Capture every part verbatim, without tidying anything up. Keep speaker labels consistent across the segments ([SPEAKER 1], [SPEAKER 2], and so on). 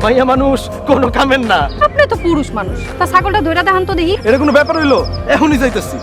[SPEAKER 1] মাইয়া মানুষ কোনো কামের না।
[SPEAKER 2] আপনি তো পুরুষ মানুষ, তা ছাগলটা ধইরা দেখান তো দেখি।
[SPEAKER 1] এটা কোনো ব্যাপার হইলো? এখনই যাইতেছি।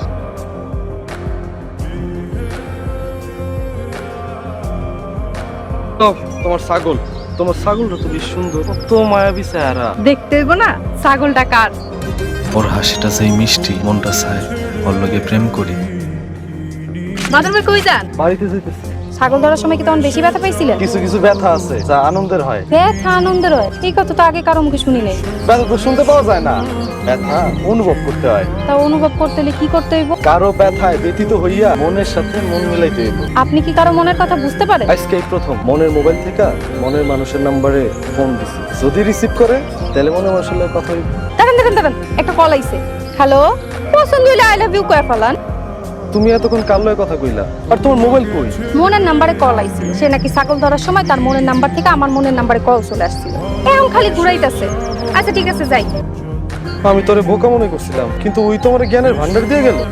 [SPEAKER 1] তোমার ছাগল, তোমার ছাগলটা তো বেশ সুন্দর, তো মায়াবী চেহারা।
[SPEAKER 2] দেখতে হইব না ছাগলটা কার।
[SPEAKER 3] ওর হাসিটা যেই মিষ্টি, মনটা চায় ওর লগে প্রেম করি।
[SPEAKER 2] বাদর ভাই কই যান?
[SPEAKER 1] বাড়িতে যাইতেছি।
[SPEAKER 2] ছাগল ধরার সময় কি তখন বেশি ব্যথা পাইছিলেন?
[SPEAKER 1] কিছু কিছু ব্যথা আছে যা আনন্দের হয়।
[SPEAKER 2] ব্যথা আনন্দের হয়, এই কথা তো আগে কারো মুখে শুনি নাই।
[SPEAKER 1] ব্যথা তো শুনতে পাওয়া যায় না, ব্যথা অনুভব করতে হয়।
[SPEAKER 2] তা অনুভব করতে হলে কি করতে হইব?
[SPEAKER 1] কারো ব্যথায় ব্যথিত হইয়া মনের সাথে মন মিলাইতে হইব।
[SPEAKER 2] আপনি কি কারো মনের কথা বুঝতে পারেন?
[SPEAKER 1] আজকে এই প্রথম মনের মোবাইল থেকে মনের মানুষের নাম্বারে ফোন দিছি, যদি রিসিভ করে তাহলে মনের মানুষের লগে কথা হইব।
[SPEAKER 2] দেখেন দেখেন দেখেন, একটা কল আইছে। হ্যালো, পছন্দ হইলে আই লাভ ইউ কয়ে ফেলান।
[SPEAKER 1] তুমি এতক্ষণ কার লগে কথা কইলা? আর তোমার মোবাইল কই?
[SPEAKER 2] মনের নাম্বারে কল আইছিল, সে নাকি ছাগল ধরার সময় তার মনের নাম্বার থেকে আমার মনের নাম্বারে কল চলে আসছিল। এখন খালি ঘুরাইতেছে। আচ্ছা ঠিক আছে, যাই।
[SPEAKER 1] আমি তোরে বোকা মনে করছিলাম, কিন্তু ওই তোমার জ্ঞানের ভান্ডার দিয়ে গেল।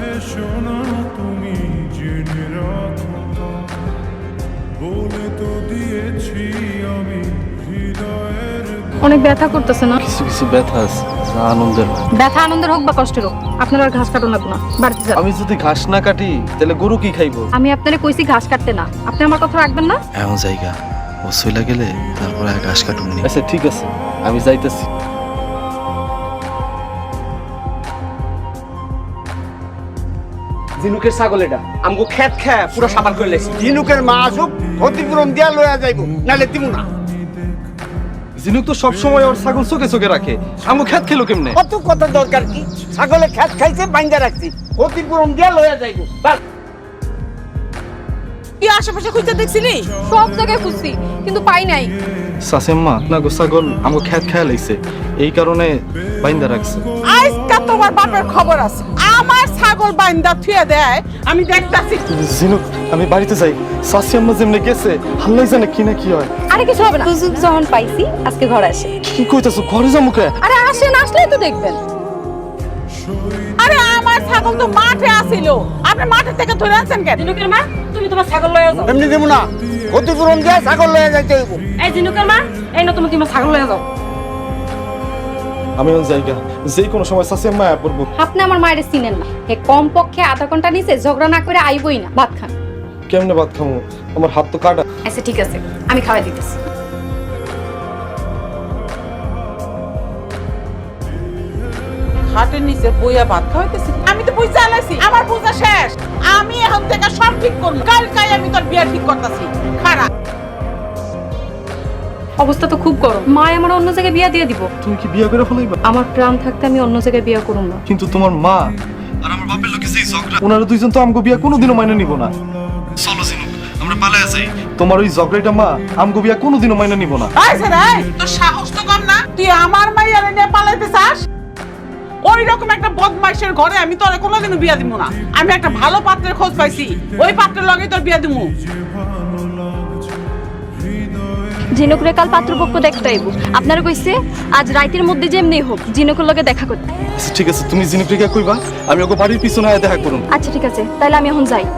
[SPEAKER 2] অনেক ব্যথা করতেছে না?
[SPEAKER 1] কিছু কিছু ব্যথা আছে যা আনন্দের হয়।
[SPEAKER 2] ব্যথা আনন্দের হোক বা কষ্টের হোক, আপনার আর ঘাস কাটুন লাগবে না, বাড়িতে যান।
[SPEAKER 1] আমি যদি ঘাস না কাটি তাহলে গরু কি খাইবো?
[SPEAKER 2] আমি আপনারে কইছি ঘাস কাটতে না, আপনি আমার কথা রাখবেন না?
[SPEAKER 3] এমন জায়গা ও চইলা গেলে তারপরে এক ঘাস কাটুনি।
[SPEAKER 1] আচ্ছা ঠিক আছে, আমি যাইতেছি।
[SPEAKER 4] ঝিনুকের ছাগল এটা আমগো খেত খেয়ে পুরো সাবার করে লেছি। ঝিনুকের মা আসুক, ক্ষতিপূরণ দিয়া লয়া যাইব, নালে দিমু না।
[SPEAKER 1] জিনুক তো সবসময় ওর ছাগল চোখে চোখে রাখে, আমগো খেত খেলো কেমনে?
[SPEAKER 4] কত কথার দরকার কি? ছাগলে খেত খাইছে, বাইন্দা রাখছি, ক্ষতিপূরণ দিয়া লয়া যাইব। বাস।
[SPEAKER 5] কি আশেপাশে খুঁজতে দেখছিলি?
[SPEAKER 2] সব জায়গায় খুঁজছি কিন্তু পাই নাই।
[SPEAKER 1] সাসেম্মা না গো, ছাগল আমগো খেত খেয়া লাইছে, এই কারণে বাইন্দা রাখছে।
[SPEAKER 5] আজকা তোমার বাপের খবর আছে। আমার ছাগল বাইন্দা থুয়ে দেয়, আমি দেখতাছি।
[SPEAKER 1] জিনুক আমি বাড়িতে যাই, সাসিয়াম্মা যেমনে গেছে আল্লাহ জানে কি না কি হয়।
[SPEAKER 2] আরে কিছু হবে না, সুযোগ যখন পাইছি আজকে ঘরে আসে।
[SPEAKER 1] কি কইতাছো? ঘরে যাবো কে?
[SPEAKER 2] আরে আসেন, আসলেই তো দেখবেন।
[SPEAKER 5] আরে আমার ছাগল তো মাঠে আছিল, আপনি মাঠে থেকে ধরে আনছেন কেন?
[SPEAKER 6] জিনুকের মা, তুমি তোমার ছাগল লয়ে যাও।
[SPEAKER 4] এমনি দিমু না, ক্ষতিপূরণ দিয়া ছাগল লয়া যাইতে হইব।
[SPEAKER 6] এই জিনুকের মা, এই না তুমি তোমার ছাগল লয়ে যাও।
[SPEAKER 1] আমি ওই জায়গা যে কোনো সময় সাসিয়াম্মা আয়া পড়বো।
[SPEAKER 2] আপনি আমার মায়ের চিনেন না, হে কম পক্ষে আধা ঘন্টা নিচে ঝগড়া না করে আইবই না, ভাত খান।
[SPEAKER 1] কেমনে ভাত খামু? আমার হাত তো কাটা।
[SPEAKER 2] আচ্ছা ঠিক আছে, আমি খাওয়াই দিতেছি।
[SPEAKER 5] হাটের নিচে বইয়া ভাত খাওয়াইতেছি। আমি তো বুঝা আলাইছি, আমার বুঝা শেষ। আমি এখন থেকে সব ঠিক করব। কালকাই আমি তোর বিয়া ঠিক করতেছি। খারাপ
[SPEAKER 2] অবস্থা তো খুব গরম, মা আমার অন্য জায়গায় বিয়া দিয়ে দিব।
[SPEAKER 1] তুমি কি বিয়ে করে ফেলাইবা?
[SPEAKER 2] আমার প্রাণ থাকতে আমি অন্য জায়গায় বিয়া করব না।
[SPEAKER 1] কিন্তু তোমার মা আর আমার বাপের লোকে যেই ঝগড়া, ওনারা দুইজন তো আমগো বিয়া কোনোদিনও মাইনে নিব না। চলো জিনুক আমরা পালায়া যাই। তোমার ওই ঝগড়াটা মা আমগো বিয়া কোনোদিনও মাইনে নিব না।
[SPEAKER 5] আইছে রে, তোর সাহস তো কম না? তুই আমার মাইয়ারে নিয়ে পালাইতে চাস? ওই রকম একটা বদমাইশের ঘরে আমি তোরে কোনোদিনও বিয়া দিব না। আমি একটা ভালো পাত্রের খোঁজ পাইছি, ওই পাত্রের লগেই তোর বিয়া দিমু।
[SPEAKER 2] জিনুকুরে কাল পাত্রপক্ষ দেখতে আইব, আপনারা কইছে আজ রাইতের মধ্যে যেমনি হোক জিনুকুর লগে দেখা করতে।
[SPEAKER 1] আচ্ছা ঠিক আছে, তুমি জিনুক রেখে কইবা, আমি ওকে বাড়ির পিছনে আয়া দেখা করুন।
[SPEAKER 2] আচ্ছা ঠিক আছে, তাহলে আমি এখন যাই।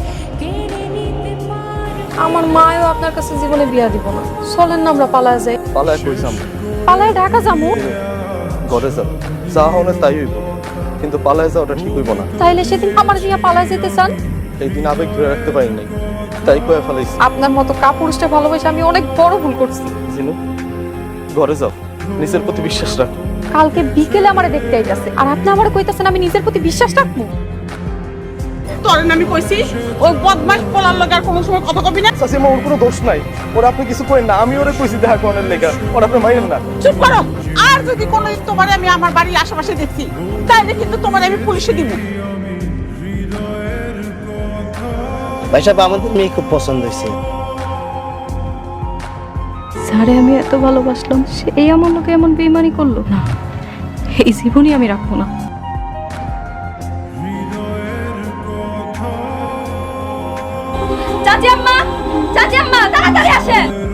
[SPEAKER 2] আমার মাও আপনার কাছে জীবনে বিয়া দিব না, চলেন না আমরা পালায় যাই।
[SPEAKER 1] পালায়া কইছাম
[SPEAKER 2] পালায় ঢাকা যাবো।
[SPEAKER 1] ঘরে যাও, যা হনে তাই হইব, কিন্তু পালায়া যাওয়াটা ঠিক হইব না।
[SPEAKER 2] তাইলে সেদিন আমার দিয়া পালায় যেতে চান?
[SPEAKER 1] এই দিন আবেগ ধরে রাখতে পারি নাই, তাই কয়ে ফেলাইছি।
[SPEAKER 2] আপনার মতো কাপুরুষটা ভালোবাসে আমি অনেক বড় ভুল করছি।
[SPEAKER 1] জিনু ঘরে যাও, নিজের প্রতি বিশ্বাস রাখো।
[SPEAKER 2] কালকে বিকেলে আমারে দেখতে আইতাছে, আর আপনি আমারে কইতাছেন আমি নিজের প্রতি বিশ্বাস রাখবো?
[SPEAKER 5] তোরে না আমি কইছি ওই বদমাইশ পোলার লগে আর কোনো সময় কথা কবি না।
[SPEAKER 1] সাসিমা ওর কোনো দোষ নাই, ওর আপনি কিছু করেন না, আমি ওরে কইছি দেখা করার লেগা, ওর আপনি মাইরেন না।
[SPEAKER 5] চুপ করো। আর যদি কোনোদিন তোমার আমি আমার বাড়ির আশেপাশে দেখছি, তাইলে কিন্তু তোমার আমি পুলিশে দিব।
[SPEAKER 4] ভাই সাহেব, আমাদের মেয়ে খুব পছন্দ হয়েছে।
[SPEAKER 2] যারে আমি এত ভালোবাসলাম সেই আমার লোকে এমন বেইমানি করলো না, এই জীবনই আমি রাখবো না। চাচি আম্মা, চাচি আম্মা তাড়াতাড়ি আসেন।